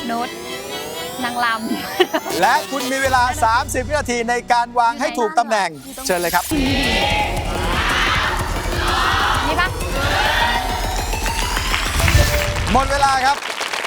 โน้ตนางลำและคุณมีเวลา 30 วินาทีในการวางให้ถูกตำแหน่ง เชิญเลยครับนี่ปะหมดเวลาครับ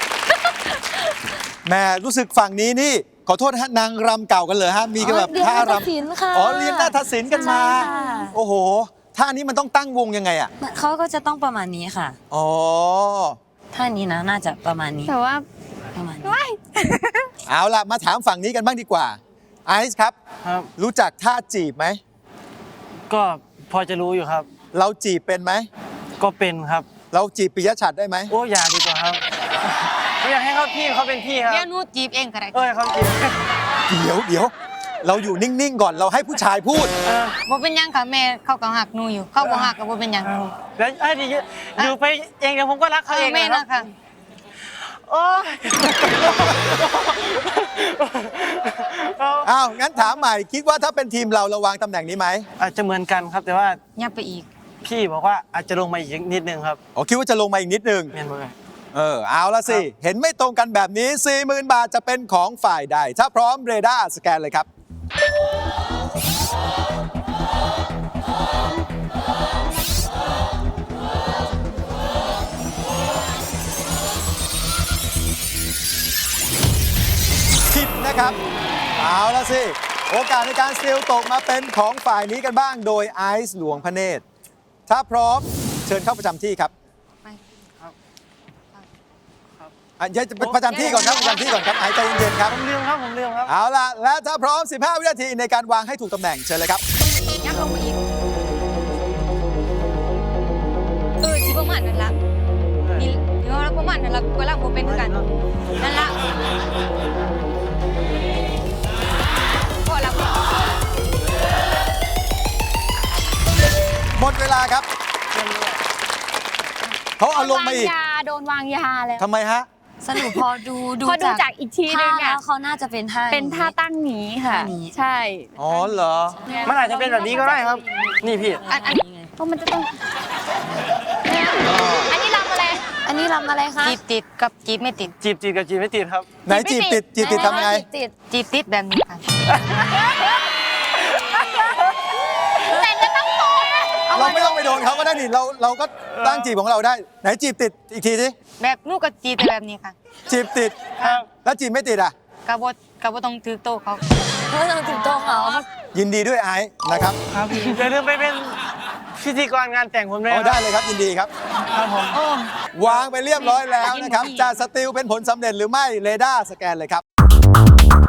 แหม่รู้สึกฝั่งนี้นี่ ขอโทษนะฮะนางรำเก่ากันเลยฮะ มีกันแบบท่ารำค่ะอ๋อเรียนนาฏศิลป์กันมาใช่ค่ะโอ้โหท่านี้มันต้องตั้งวงยังไงอ่ะเขาก็จะต้องประมาณนี้ค่ะอ๋อท่านี้นะน่าจะประมาณนี้แต่ว่าประมาณนี้ว้ายเอาล่ะ มาถามฝั่งนี้กันบ้างดีกว่า ไอซ์ครับครับรู้จักท่าจีบไหมก็พอจะรู้อยู่ครับเราจีบเป็นไหมก็เป็นครับเราจีบปิยะฉัตรได้ไหมโอ้อย่าดีกว่าครับไม่อยากให้เขาพี่เขาเป็นพี่ครับเดี๋ยวหนูจีบเองก็ได้เขาจีบเดี๋ยว เราอยู่นิ่ง ๆ ก่อน เราให้ผู้ชายพูดบ่เป็นหยังค่ะแม่เขาก็หักหนูอยู่ เขาบ่หักก็บ่เป็นหยังแล้วอยู่ไปเองเดี๋ยวผมก็รักเขาเองแม่นะนะครับโอ้ยอ้าว งั้นถามใหม่ คิดว่าถ้าเป็นทีมเราวางตำแหน่งนี้ไหมอาจจะเหมือนกันครับ แต่ว่ายับไปอีกพี่บอกว่าอาจจะลงมาอีกนิดนึงครับอ๋อ คิดว่าจะลงมาอีกนิดนึงเมียนเบอร์เอาละสิ เห็นไม่ตรงกันแบบนี้ 40,000 บาทจะเป็นของฝ่ายใด ถ้าพร้อมเรดาร์สแกนเลยครับ ผิดนะครับ เอาละสิ โอกาสในการสติลตกมาเป็นของฝ่ายนี้กันบ้างโดยไอซ์หลวงพระเนตร ถ้าพร้อมเชิญเข้าประจำที่ครับ อย่าประจำที่ก่อนครับประจำที่ก่อนครับไอซ์ใจเย็นๆครับผมลืมครับเอาล่ะ และถ้าพร้อม 15 วินาทีในการวางให้ถูกตำแหน่งเชิญเลยครับยับลงมาอีกสิประมาณนั้นละนี่ที่ว่าประมาณนั้นละเวลาบ่เป็นคือกันนั่นละพอละหมดเวลาครับ เขาเอาลงมาอีกโดนวางยาเลยทำไมฮะสรุปพอดูพอดูจากอีกทีนึงท่าแล้อ่ะวเขาน่าจะเป็นท่าเป็นท่าตั้งหนีค่ะท่านี้ใช่อ๋อเหรอมันอาจจะเป็นแบบนี้ก็ได้ครับ นี่พี่อันเพราะมันจะต้องอันนี้ลำอะไรอันนี้รำอะไรคะจีบติดกับจีบไม่ติดจีบกับจีบไม่ติดครับไหนจีบติดทำยังไงติดจีบติดแบบนี้ค่ะแต่จะต้องโตนะเราไม่ต้องไปโดนเขาก็ได้นี่เราก็ตั้งจีบของเราได้ ไหนจีบติดอีกทีสิแบบนูก็จีบแต่แบบนี้ค่ะจีบติดครับแล้วจีบไม่ติดอ่ะกระบต้องถือโตะเขาเพื่อถึงโตะเขายินดีด้วยไอซ์นะครับครับอย่าลืมไปเป็นพิธีกรงานแต่งผมด้วยอ๋อนะได้เลยครับยินดีครับครับผมวางไปเรียบร้อยแล้วนะครับ จะสติลเป็นผลสำเร็จหรือไม่เรดาร์สแกนเลยครับ